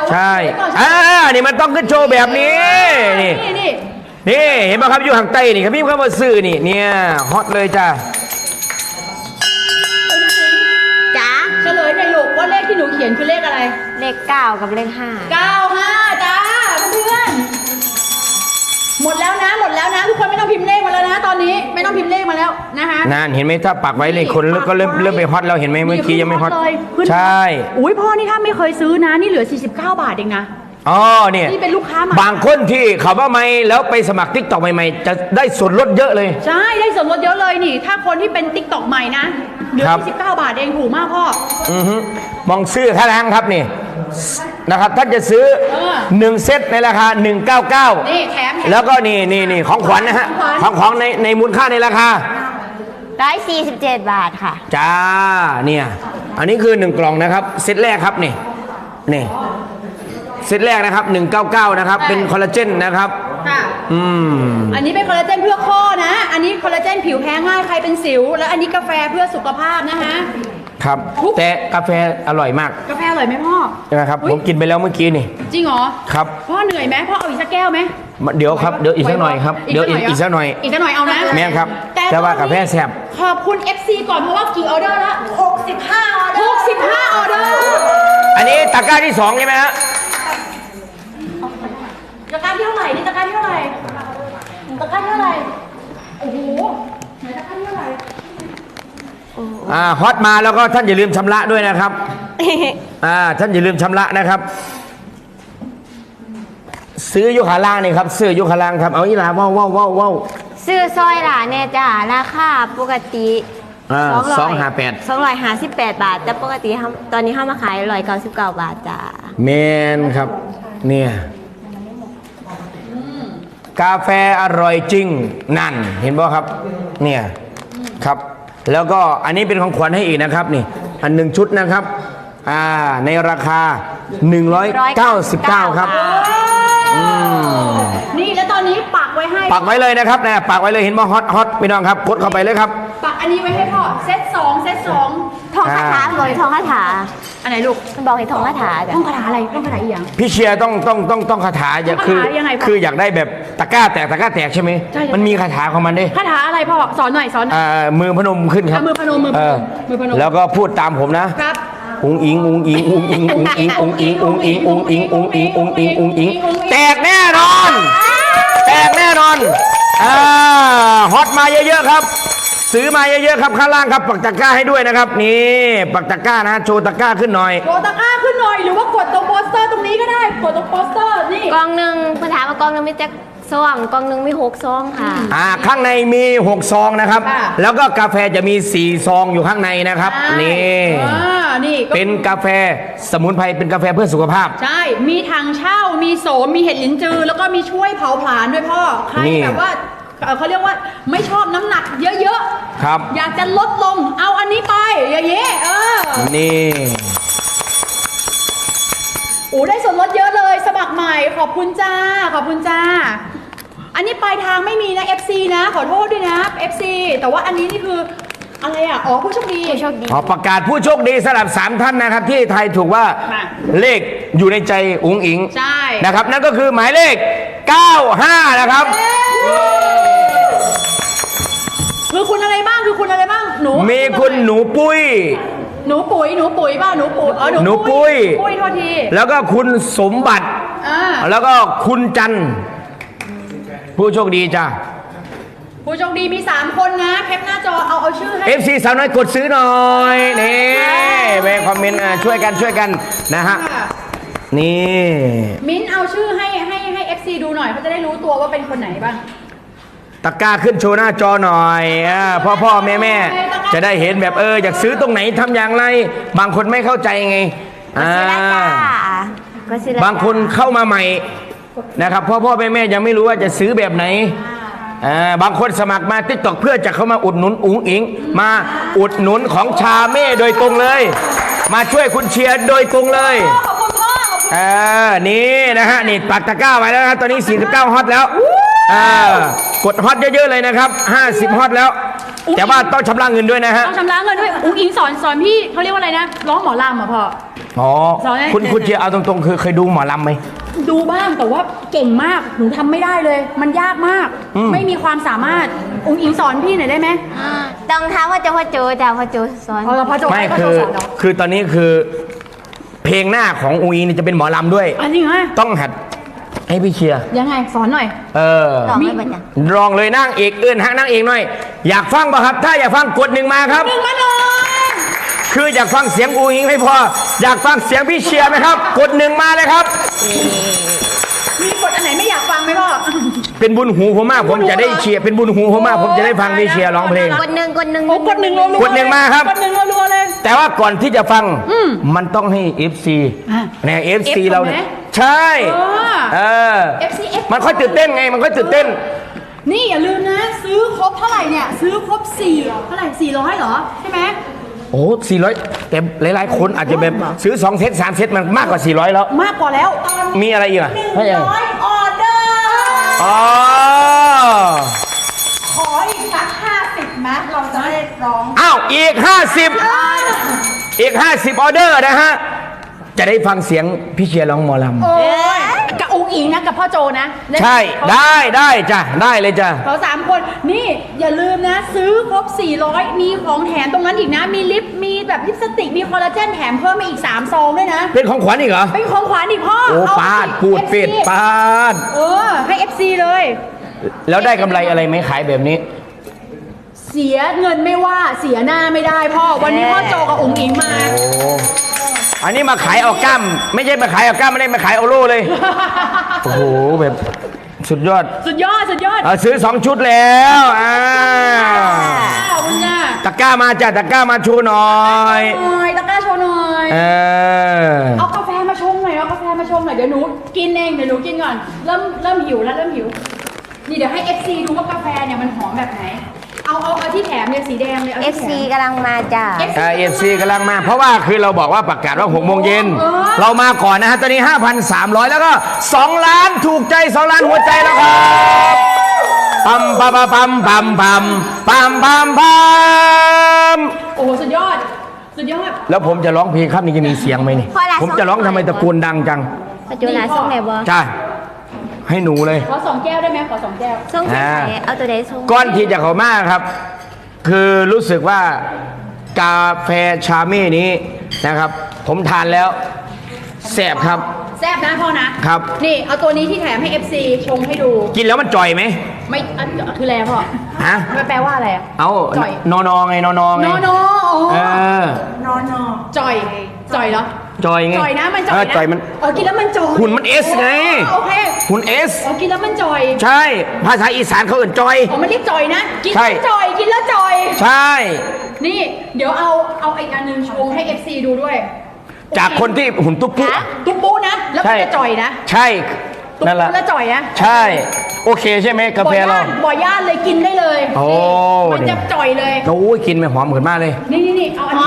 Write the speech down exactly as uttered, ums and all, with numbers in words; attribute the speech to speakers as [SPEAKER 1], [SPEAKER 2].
[SPEAKER 1] ใช่อ่านี่มันต้องขึ้นโชว์แบบนี้นี่นี่นี่เห็นไหมครับอยู่ห่างใต้นี่ครับพี่เข้ามาซื้อนี่เนี่ยฮอตเลยจ้า
[SPEAKER 2] จ๋า
[SPEAKER 3] เฉลยในอยลูกว่าเลขที่หนูเขียนคือเลขอะไร
[SPEAKER 2] เลขเก้ากับเลขห้า
[SPEAKER 3] เก้าห้าจ้าเพื่อนหมดแล้วนะหมดแล้วนะทุกคนไม่ต้องพิมพ์เลขมาแล้วนะตอนนี้ไม่ต้องพิมพ์เลขมาแล้วนะคะ
[SPEAKER 1] นั่นเห็นไหมถ้าปักไว้เลยคนก็เริ่มเริ่มไปฮอตแล้วเห็นไหมเมื่อกี้ยังไม่ฮอตใช่
[SPEAKER 3] อุ้ยพ่อนี่ถ้าไม่เคยซื้อนะนี่เหลือสี่สิบเก้าบาทเองนะ
[SPEAKER 1] อ๋อเนี่ย
[SPEAKER 3] นี่เป็นลูกค้าใหม่
[SPEAKER 1] บางคนที่เขาว่าไม่แล้วไปสมัครติ๊กต็อกใหม่ๆจะได้ส่วนลดเยอะเลย
[SPEAKER 3] ใช่ได้ส่วนลดเยอะเลยนี่ถ้าคนที่เป็นติ๊กต็อกใหม่นะเหลือสี่สิบเก้าบาทเองถูกมากพ่อ
[SPEAKER 1] อือฮึมองซื้อท่าทางครับนี่นะครับท่านจะซื้อหนึ่งเซตในราคาหนึ่งเก้าเก้า
[SPEAKER 3] นี่แถม
[SPEAKER 1] แล้วก็นี่นี่นี่ของขวัญนะฮะของของในในมูลค่าในราคา
[SPEAKER 2] ร้อยสี่สิบเจ็ดบาทค่ะ
[SPEAKER 1] จ้าเนี่ยอันนี้คือหนึ่งกล่องนะครับเซตแรกครับนี่นี่เซตแรกนะครับหนึ่งเก้าเก้านะครับเป็นคอลลาเจนนะครับ
[SPEAKER 3] ค่ะ
[SPEAKER 1] อืม
[SPEAKER 3] อันนี้เป็นคอลลาเจนเพื่อข้อนะอันนี้คอลลาเจนผิวแพ้ง่ายใครเป็นสิวแล้วอันนี้กาแฟเพื่อสุขภาพนะคะ
[SPEAKER 1] ครับแต่กาแฟอร่อยมาก
[SPEAKER 3] กาแฟอร่อยไหมพ่อ
[SPEAKER 1] ใช่ไหมครับผมกินไปแล้วเมื่อกี้นี่
[SPEAKER 3] จริงเหรอ
[SPEAKER 1] ครับ
[SPEAKER 3] พ่อเหนื่อยไหมพ่อเอาอีกสักแก้วไหม
[SPEAKER 1] เดี๋ยวครับเดี๋ยวอีกสักหน่อยครับเดี๋ยวอีกสักหน่อย
[SPEAKER 3] อีกสักหน่อยเอานะ
[SPEAKER 1] แม่ครับแต่ว่ากาแฟแซ่บ
[SPEAKER 3] ขอบคุณ เอฟ ซี ก่อนเพราะว่ากี่ออเดอร์ละหกสิบห้าออเดอร์หกสิบห้าออเดอร์
[SPEAKER 1] อันนี้ตะกร้าที่สองใช่ไหมฮะ
[SPEAKER 3] ตะกร้าที่เท่าไหร่นี่ตะกร้าที่เท่าไหร่ตะกร้าที่เท่าไหร่โอ้โหไหนตะกร้าที่เท่าไหร่
[SPEAKER 1] อ่าฮอตมาแล้วก็ท่านอย่าลืมชำระด้วยนะครับ อ่าท่านอย่าลืมชำระนะครับซื้อยุคาล่างนี่ครับซื้อยุคาล่างครับเอาอีหลาว้าวว้าวว้าวว้าว
[SPEAKER 2] ซื้อซอยหลาเนี่ยจ้าราคาปกติ
[SPEAKER 1] สองห้าแปด
[SPEAKER 2] สองร้อยห้าสิบแปดบาทแต่ปกติตอนนี้เข้ามาขายร้อยเก้าสิบเก้าบาทจ้า
[SPEAKER 1] แมนครับเนี่ยกาแฟอร่อยจริงนั่นเห็นป่ะครับเนี่ยครับแล้วก็อันนี้เป็นของขวัญให้อีกนะครับนี่อันหนึ่งชุดนะครับอ่าในราคาหนึ่งร้อยเก้าสิบเก้าครับ
[SPEAKER 3] นี่แล้วตอนนี้ปักไว้ให้
[SPEAKER 1] ปักไว้เลยนะครับนะปักไว้เลยเห็นป่ะฮอตฮอตพี่น้องครับกดเข้าไปเลยครับ
[SPEAKER 3] ปักอันนี้ไว้ให้พ่อเซตสองเซตสอง
[SPEAKER 2] ทองคาถาบอกทองคาถา
[SPEAKER 3] อันไหนลูก
[SPEAKER 2] บอกให้ทองคาถา
[SPEAKER 3] ทองคาถาอะไรทองคาถาอีกอย่าง
[SPEAKER 1] พี่เชียร์ต้องต้องต้องต้องคาถาอย่าคือคืออยากได้แบบตะกร้าแตกตะกร้าแตกใช่ไหมมันมีคาถาของมันด้วย
[SPEAKER 3] คาถาอะไรพ่อสอนหน่อยสอน
[SPEAKER 1] อ่ามือพนมขึ้นครับ
[SPEAKER 3] มือพนมมือพนมมือพนม
[SPEAKER 1] แล้วก็พูดตามผมนะครับอุ้งอิงอุ้งอิงอุ้งอิงอุ้งอิงอุ้งอิงอุ้งอิงอุ้งอิงอุ้งอิงอุ้งอิงอุ้งอิงแตกแน่นอนแตกแน่นอนอ่าฮอตมาเยอะๆครับซื้อมาเยอะๆครับข้างล่างครับปักตะกร้าให้ด้วยนะครับนี่ปักตะกร้านะโชว์ตะกร้าขึ้นหน่อย
[SPEAKER 3] โชว์ตะกร้าขึ้นหน่อยหรือว่ากดตรงโปสเตอร์ตรงนี้ก็ได้กดตรงโปสเตอร์นี่
[SPEAKER 2] กองหนึ่งปัญหามากองหนึ่งมีแจ็คซองกองหนึ่งมีหกซองค่ะ
[SPEAKER 1] อ่าข้างในมีหกซองนะครับแล้วก็กาแฟจะมีสี่ซองอยู่ข้างในนะครับนี่
[SPEAKER 3] นี่
[SPEAKER 1] เป็นกาแฟสมุนไพรเป็นกาแฟเพื่อสุขภาพ
[SPEAKER 3] ใช่มีถังเช่ามีโสมมีเห็ดลิ้นจือแล้วก็มีช่วยเผาผลาญด้วยพ่อใครแบบว่าเขาเรียกว่าไม่ชอบน้ำหนักเยอะ
[SPEAKER 1] ๆครับ
[SPEAKER 3] อยากจะลดลงเอาอันนี้ไปอย่างเงี้ยเออ
[SPEAKER 1] นี่
[SPEAKER 3] โอ้ได้ส่วนลดเยอะเลยสมัครใหม่ขอบคุณจ้าขอบคุณจ้าอันนี้ปลายทางไม่มีนะ เอฟ ซี นะขอโทษด้วยนะ เอฟ ซี แต่ว่าอันนี้นี่คืออะไรอ่ะอ๋อผู้โชคดี
[SPEAKER 2] ผู้โชคดี
[SPEAKER 1] ขอประกาศผู้โชคดีสำหรับสามท่านนะครับที่ทายถูกว่าเลขอยู่ในใจอุ๋งอิง
[SPEAKER 3] ใช่
[SPEAKER 1] นะครับนั่นก็คือหมายเลขเก้าห้านะครับ
[SPEAKER 3] คือคุณอะไรบ้างคือคุณอะไรบ้างหนู
[SPEAKER 1] มีคุณหนูปุ้ย
[SPEAKER 3] หนูปุ๋ยหนูปุ๋ยป่ะหนูปุ๋ยอ๋อ
[SPEAKER 1] หนูปุ้ย
[SPEAKER 3] ปุ้ยโทษที
[SPEAKER 1] แล้วก็คุณสมบัติแล้วก็คุณจันผู้โชคดีจ้า
[SPEAKER 3] ผู้โชคดีมีสามคนนะแคปหน้าจอเอาเอาชื่อให้
[SPEAKER 1] เอฟ ซี สาวน้อยกดซื้อหน่อยนี่ไปคอมเมนต์ช่วยกันช่วยกันนะฮะนี่
[SPEAKER 3] มิ้นเอาชื่อให้ให้ให้ เอฟ ซี ดูหน่อยเขาจะได้รู้ตัวว่าเป็นคนไหนบ้าง
[SPEAKER 1] ตะกร้าขึ้นโชว์หน้าจอหน่อยพ่อพ่อแม่แม่จะได้เห็นแบบเอออยากซื้อตรงไหนทำอย่างไรบางคนไม่เข้าใจไงบางคนเข้ามาใหม่นะครับพ่อพ่อแม่แม่ยังไม่รู้ว่าจะซื้อแบบไหนบางคนสมัครมาติ๊กต็อกเพื่อจะเข้ามาอุดหนุนอุ๋งอิงมาอุดหนุนของชาเม่โดยตรงเลยมาช่วยคุณเชียร์โดยตรงเลยเออนี่นะฮะนี่ปักตะกร้าไว้แล้วนะครับตอนนี้สี่สิบเก้าฮอตแล้วกดฮอตเยอะๆเลยนะครับห้าสิบฮอตแล้วแต่ว่าต้องชำระเงินด้วยนะฮะ
[SPEAKER 3] ต้องชำระเงินด้วยอุ๋งอิงสอนสอนพี่เขาเรียกว่าอะไรนะร้องหมอลำอ่ะพ่อ
[SPEAKER 1] อ๋อ
[SPEAKER 3] สอนให้
[SPEAKER 1] คุณคุณเชียร์เอาตรงๆคือเคยดูหมอลำไหม
[SPEAKER 3] ดูบ้างแต่ว่าเก่งมากหนูทำไม่ได้เลย มันยากมาก
[SPEAKER 1] อืม
[SPEAKER 3] ไม่มีความสามารถองค์อิงสอนพี่หน่อยได้ไหม
[SPEAKER 2] ต้องถามว่าจะพ่อโจจ้ะพ่อโจสอน
[SPEAKER 3] เอาละพระโจ
[SPEAKER 1] ไม่
[SPEAKER 3] ให้พระ
[SPEAKER 1] คื
[SPEAKER 3] โจ
[SPEAKER 1] อ
[SPEAKER 3] สอนเนาะ
[SPEAKER 1] คือตอนนี้คือ เพลงหน้าของอุยนี่จะเป็นหมอลำด้วย
[SPEAKER 3] อันนี้ไง
[SPEAKER 1] ต้องหัดให้พี่เชียร์
[SPEAKER 3] ยังไงสอนหน่อย
[SPEAKER 1] เออ
[SPEAKER 2] ลองให้บัญญัติ
[SPEAKER 1] ลองเลยนั่งเอกเอื้นฮักนั่งเอกหน่อย อยากฟังป่ะครับ ถ้าอยากฟังกดหนึ่งมาครับ
[SPEAKER 3] หนึ่งมาเลย
[SPEAKER 1] คืออยากฟังเสียงอูอิงไม่พอ อยากฟังเสียงพี่เชียร์ไหมครับ กดหนึ่งมาเลยครับ
[SPEAKER 3] มีกฎอันไหนไม่อยากฟังไหมพ่อ
[SPEAKER 1] เป็นบุญหูผมมาก ผมจะได้เชียร์เป็นบุญหูผมมาก ผมจะได้ฟังพี่เชียร์ร้องเพลง
[SPEAKER 2] กดหนึ่งกดหนึ่ง
[SPEAKER 3] โอ้กดหนึ่งรัวๆ
[SPEAKER 1] กดหนึ่งมาครับ
[SPEAKER 3] กดหนึ่งรัวๆเลย
[SPEAKER 1] แต่ว่าก่อนที่จะฟังมันต้องให้ เอฟ ซี
[SPEAKER 3] อ่ะ
[SPEAKER 1] เนี่ย เอฟ ซี
[SPEAKER 3] F
[SPEAKER 1] เราเนี่ย
[SPEAKER 3] ก่อนไหม
[SPEAKER 1] ใช่
[SPEAKER 3] เออ
[SPEAKER 1] เออ
[SPEAKER 3] เอฟ ซี F
[SPEAKER 1] มันค่อยตื่นเต้นไง มันค่อยตื่นเต้น
[SPEAKER 3] นี่อย่าลืมนะ ซื้อครบเท่าไหร่เนี่ย ซื้อครบสี่เท่าไหร่สี่ร้อยเหรอ ใช่ไหม
[SPEAKER 1] โอ้สี่ร้อยแต่หลายๆ คนอาจจะแบบซื้อสองเซตสามเซตมันมากกว่าสี่ร้อยแล้ว
[SPEAKER 3] มากกว่าแล้วตอน
[SPEAKER 1] มีอะไรอีกอ่ะ
[SPEAKER 3] หนึ่ง
[SPEAKER 1] ให้อะไร
[SPEAKER 3] ร้อยออเดอร์
[SPEAKER 1] อ๋อ
[SPEAKER 3] ขออีกสักห้าสิบนะเราจะได้ร้อง
[SPEAKER 1] อ้าว อีกห้าสิบอีกห้าสิบออเดอร์นะฮะ จะได้ฟังเสียงพี่เชียร์ร้องหมอล
[SPEAKER 3] โอ้ยกับองค์อิงนะกับพ่อโจนะ
[SPEAKER 1] ำใช่ได้ได้จ้ะได้เลยจ้ะ
[SPEAKER 3] เขาสามคน นี่อย่าลืมนะ ซื้อครบสี่ร้อยมีของแถมตรงนั้นอีกนะ มีลิป มีแบบลิปสติก มีคอลลาเจนแถมเพิ่มมาอีกสามซองด้วยนะ
[SPEAKER 1] เป็นของขวัญอีกเหรอ
[SPEAKER 3] เป็นของขวัญอีกพ่อ
[SPEAKER 1] โอ้
[SPEAKER 3] เอ
[SPEAKER 1] ปาด
[SPEAKER 3] สิ
[SPEAKER 1] พูดเป็ด
[SPEAKER 3] เอฟซี
[SPEAKER 1] ปาด
[SPEAKER 3] เออ ให้ เอฟ ซี เลย
[SPEAKER 1] แล้วได้กำไรอะไรไหมขายแบบนี้
[SPEAKER 3] เสียเงินไม่ว่าเสียหน้าไม่ได้พ่อ วันนี้พ่อโจกับองค์อิงมา
[SPEAKER 1] โอ้อันนี้มาขายเอากล้ามไม่ใช่มาขายเอากล้ามไม่ได้มาขายเอาโล่เลย โอ้โหแบบสุดยอด
[SPEAKER 3] สุดยอด สุดยอด
[SPEAKER 1] เอาซื้อสองชุดแล้วอ่า
[SPEAKER 3] ขอบคุณจ้า
[SPEAKER 1] ตะกร้ามาจ้ะตะกร้ามาชูหน่อย
[SPEAKER 3] หน่อยตะกร้าโชว์หน่อย
[SPEAKER 1] เออ
[SPEAKER 3] เอากาแฟมาชงหน่อยเอากาแฟมาชงหน่อยเดี๋ยวหนูกินเองเดี๋ยวหนูกินก่อนเริ่มเริ่มหิวแล้วเริ่มหิวนี่เดี๋ยวให้ เอฟ ซี ดูว่ากาแฟเนี่ยมันหอมแบบไหนเอาเอาเอาที่แถมเนี่ยสีแดงเลยเอา
[SPEAKER 2] เอ
[SPEAKER 3] ที่
[SPEAKER 2] ฟ
[SPEAKER 3] แถ
[SPEAKER 2] ซี
[SPEAKER 3] ม
[SPEAKER 2] กำลังมาจ้ะ
[SPEAKER 3] เอฟ
[SPEAKER 1] เอฟซีกำลังมา เพราะว่าคือเราบอกว่าประกาศว่าหกโมงเย็น
[SPEAKER 3] เออ
[SPEAKER 1] เรามาก่อนนะฮะ ตอนนี้ ห้าพันสามร้อย แล้วก็ สอง ล้านถูกใจ สอง ล้านหัวใจแล้วครับปั๊มปั๊มปั๊มปั๊มปั๊มปั๊มปั๊มปั๊ม
[SPEAKER 3] โอ้โหสุดยอด สุดยอด
[SPEAKER 1] แล้วผมจะร้องเพลงครับนี่จะมีเสียงไหมนี่
[SPEAKER 2] พอละ
[SPEAKER 1] ผมจะร้องทำไมตะโกนดังจัง
[SPEAKER 2] พ่อโจลาส่งไหนบ่
[SPEAKER 1] จ้าให้หนูเลย
[SPEAKER 3] ขอสองแก้วได้ไหมขอสองแก้ว
[SPEAKER 2] ส่งที่ไหนเอาตัวใดส่ง
[SPEAKER 1] ก้อนที่จะเขามากครับ คือรู้สึกว่ากาแฟชาเม่นี้นะครับ ผมทานแล้วแสบครับ
[SPEAKER 3] แซ่บนะพ่อนะครับ นี่เอาตัวนี้ที่แถมให้ เอฟ ซี ชงให้ดู
[SPEAKER 1] กินแล้วมันจ่อยไหม
[SPEAKER 3] ไม่อันคืออะไรอะพ่อ
[SPEAKER 1] ฮะ
[SPEAKER 3] มันแปลว่าอะไรอะ
[SPEAKER 1] เอา
[SPEAKER 3] จ่อย
[SPEAKER 1] นอนอไงนอนอไง
[SPEAKER 3] นอนอ
[SPEAKER 1] เออ
[SPEAKER 3] นอนอจ่อยจ่อยเหรอ
[SPEAKER 1] จ่อยไง
[SPEAKER 3] จ่อยนะมันจ่
[SPEAKER 1] เอ
[SPEAKER 3] อย
[SPEAKER 1] อ
[SPEAKER 3] นะ
[SPEAKER 1] จ่อยมัน
[SPEAKER 3] อ๋อกินแล้วมันจ่อย
[SPEAKER 1] หุ่นมันเอสไง
[SPEAKER 3] โอเค
[SPEAKER 1] หุ่นเอส
[SPEAKER 3] อ๋อกินแล้วมันจ่อย
[SPEAKER 1] ใช่ ภาษาอีสานเขาเอื่นจอย
[SPEAKER 3] อ๋อมันเรียกจ่อยนะ กิน
[SPEAKER 1] ใช่
[SPEAKER 3] แล้วจ่อย กินแล้วจ่อย
[SPEAKER 1] ใช่
[SPEAKER 3] นี่ เดี๋ยวเอาเอาอีกอันหนึงชงให้ เอฟ ซี ดูด้วย
[SPEAKER 1] จากคนที่หุ่นตุ๊กปุ๊
[SPEAKER 3] ฮะตุ๊กปูนะ แล้วก็จะจ่อยนะ
[SPEAKER 1] ใช่
[SPEAKER 3] ตุ๊ก
[SPEAKER 1] นั่นแห
[SPEAKER 3] ปู
[SPEAKER 1] ละ
[SPEAKER 3] แล้วจ่อยนะ
[SPEAKER 1] ใช่ โอเคใช่ไหมกาแฟเรา
[SPEAKER 3] บ่อย่านเลยกินได้เลย
[SPEAKER 1] โอ้
[SPEAKER 3] มันจะจ่อยเลย
[SPEAKER 1] โอ้ยกินไปหอมเหมือนมากเลย
[SPEAKER 3] นี่นี่นี่เอาอันนี้